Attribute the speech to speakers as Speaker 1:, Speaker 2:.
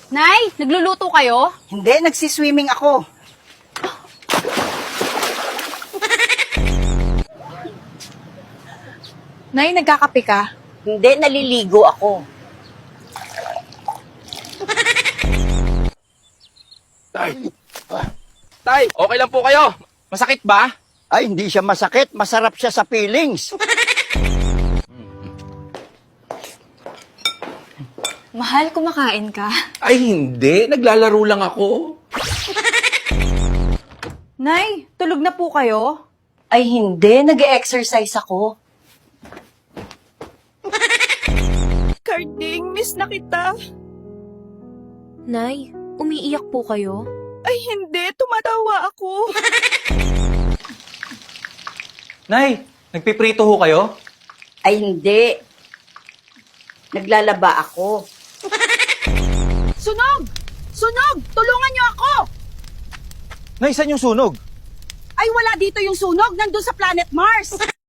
Speaker 1: Nay, nagluluto kayo?
Speaker 2: Hindi, nagsiswimming ako.
Speaker 1: Nay, nagkakape ka?
Speaker 2: Hindi, naliligo ako.
Speaker 3: Tay, okay lang po kayo? Masakit ba?
Speaker 4: Ay, hindi siya masakit. Masarap siya sa feelings.
Speaker 1: Mahal, kumakain ka.
Speaker 3: Ay, hindi. Naglalaro lang ako.
Speaker 1: Nay, tulog na po kayo?
Speaker 2: Ay hindi, nag-exercise ako.
Speaker 5: Carding, miss na kita.
Speaker 6: Nay, umiiyak po kayo?
Speaker 5: Ay hindi, tumatawa ako.
Speaker 7: Nay, nagpiprito ho kayo?
Speaker 2: Ay hindi. Naglalaba ako.
Speaker 5: Sunog! Sunog! Tulungan niyo ako!
Speaker 7: Nay, saan yung sunog?
Speaker 5: Ay wala dito yung sunog, nandun sa planet Mars.